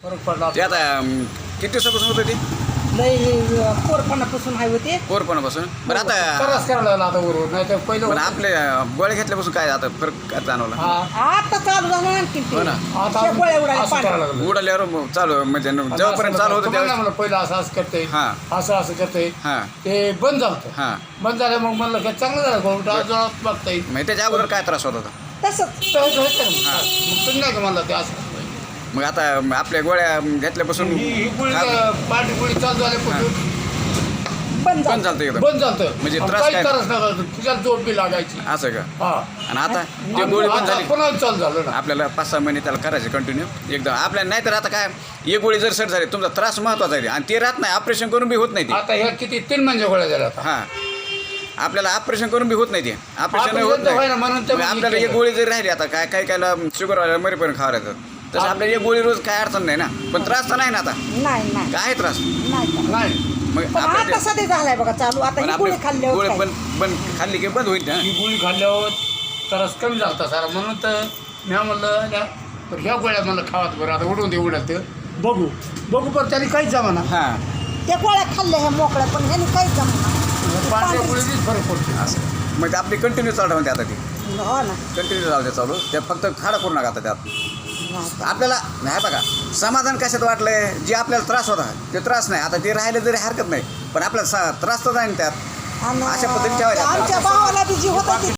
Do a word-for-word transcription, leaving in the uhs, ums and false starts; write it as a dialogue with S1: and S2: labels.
S1: फरक पडला
S2: ते आता अं, किती दिवसापासून होतं ते
S3: लय पोरपणापासून आहे होते.
S2: पोरपणापासून बरं आता
S1: त्रास करायला लागला आता बरोबर नाही तर पहिलं
S2: पण
S1: होतं.
S2: आपले अं, गोळ्या घेतल्यापासून काय आता फरक काय जाणवला
S1: हा
S3: आता चालू झालं आणखी
S2: हो ना.
S1: आता
S3: ते गोळ्या उडायला
S1: असं करायला
S3: पाणी.
S1: लागलं.
S2: उडाल्यावर मग चालू म्हणजे न- जेव्हापर्यंत चालू होतं
S1: तुम्हाला
S2: त्यावेळेस
S1: म्हणलं पहिलं असं असं करते
S2: हा.
S1: असं असं करते
S2: हां
S1: ते बंद झालं
S2: हां
S1: बंद झालं मग म्हणलं की चांगलं झालं गोळा जोरात बघता येईल
S2: म्हणजे त्याच्या अगोदर काय त्रास होत होता
S3: तसंच
S1: तर हे होतं ना. मग तुम्ही नाही का म्हणलं ते असं
S2: मग आता आपल्या गोळ्या घेतल्यापासून
S1: ही ही गोळी
S2: खा-
S1: पाठी गोळी चालू झाल्यापासून
S3: बंद
S2: पण
S3: झालं.
S2: चालतं एकदम
S1: बंद झालं
S2: म्हणजे
S1: आणि
S2: त्रास
S1: काही
S2: काय-
S1: त्रास नका तुझ्याला झोप बी लागायची
S2: असं का
S1: हा
S2: आणि आता ते गोळी पण
S1: आता
S2: झाली
S1: पुन्हा चालू झालं ना
S2: आपल्याला पाच सहा महिने त्याला करायचे कंटिन्यू एकदम आपल्याला नाही तर आता काय एक गोळी जर सेट झाली तुमचा त्रास महत्वाचा आहे आणि ते राहत नाही ऑपरेशन करून बी होत नाही ते
S1: आता ह्या किती तीन म्हणजे गोळ्या झाल्या आता
S2: हां आपल्याला ऑपरेशन करून बी होत नाही ते ऑपरेशन
S1: Operation
S2: होत
S1: तर होय ना,
S2: नाही
S1: म्हणून तर
S2: मग
S1: मी
S2: आपल्याला एक
S1: केलं.
S2: गोळी जरी राहिली आता काय काही कायला शुगर व्हायला मरीपर्यंत खावं लागतं तसं आपल्याला एक गोळी रोज काय अडचण नाही ना पण त्रास तर नाही ना आता
S3: नाही नाही
S2: काय त्रास
S3: नाही का.
S1: नाही
S2: मग
S3: पण आता
S2: आपल्या
S3: सध्या झालाय बघा चालू आता
S2: पण
S3: ही गोळी
S2: आपली
S3: खाल्ल्यावर
S2: गोळी
S3: काय?
S2: पण पण खाल्ली की बंद होईल ना
S1: ही गोळी खाल्ल्यावर त्रास कमी झाला सारा म्हणून तर मी म्हणलं ना, तर ह्या गोळ्या मला खावात बरं आता उडून दे उडत बघू बघू पण त्याने काहीच जमा ना
S2: हां
S3: त्या गोळ्या खाल्ल्या ह्या मोकळ्या पण ह्यानी काहीच जमणार
S1: पांढऱ्या गोळीनीच फरक पडतो
S2: असं मग ते आपली कंटिन्यू चालू म्हणते आता ती
S3: हो ना
S2: कंटिन्यू चालते चालू त्यात फक्त खाडा करू नका आता त्यात
S3: नाही.
S2: आपल्याला नाही बघा समाधान कशात वाटलंय जे आपल्याला त्रास होता ते त्रास नाही आता ते राहिलं जरी हरकत नाही पण आपल्याला सा- त्रास तर जाईल त्यात
S3: आणि
S2: अशा पद्धतीने ठेवायचं.
S3: आमच्या भावाला बी जी होता ती